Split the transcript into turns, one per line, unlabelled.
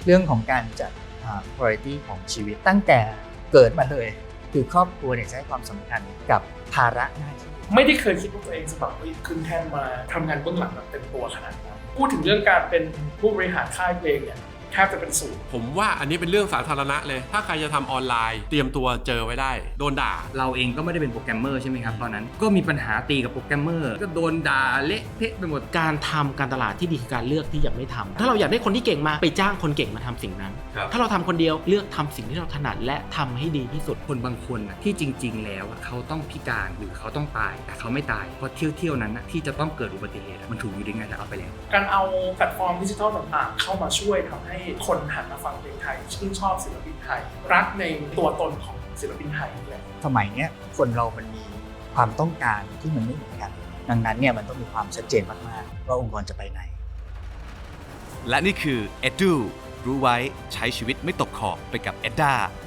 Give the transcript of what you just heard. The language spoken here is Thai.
เรื่องของการจัดpriority ของชีวิตตั้งแต่เกิดมาเลยคือครอบครัวเนี่ยจะให้ความสำคัญกับภาระหน้าที่
ไม่ได้เคยคิดว่าตัวเองจะแบบขึ้นแท่นมาทำงานเบื้องหลังแบบเต็มตัวขนาดนั้นพูดถึงเรื่องการเป็นผู้บริหารค่ายเพลงเนี่ยแทบจะเป็นศูนย์
ผมว่าอันนี้เป็นเรื่องสาธารณะเลยถ้าใครจะทำออนไลน์เตรียมตัวเจอไว้ได้โดนด่า
เราเองก็ไม่ได้เป็นโปรแกรมเมอร์ใช่ไหมครับตอนนั้นก็มีปัญหาตีกับโปรแกรมเมอร์ก็โดนด่าเละเทะไปหมด
การทำการตลาดที่ดีคือการเลือกที่จะไม่ทำถ้าเราอยากได้คนที่เก่งมาไปจ้างคนเก่งมาทำสิ่งนั้นถ้าเราทำคนเดียวเลือกทำสิ่งที่เราถนัดและทำให้ดีที่สุด
คนบางคนที่จริงๆแล้วเขาต้องพิการหรือเขาต้องตายแต่เขาไม่ตายเพราะเที่ยวนั้นที่จะต้องเกิดอุบัติเหตุมันถูกอยู่ได้ไงแต่เอาไปแล้ว
การเอาแพลตฟอร์มดิจิทัลต่างๆเข้ามาช่วยทำให้คนหันมาฟังเพลงไทยชื่นชอบศิลปินไทยรักในตัวตนของศิลปินไทยเลย
สมัยนี้คนเรามันมีความต้องการที่มันไม่เหมือนกันดังนั้นเนี่ยมันต้องมีความชัดเจนมากๆว่าองค์กรจะไปไหน
และนี่คือ Edu รู้ไว้ใช้ชีวิตไม่ตกขอบไปกับ Edda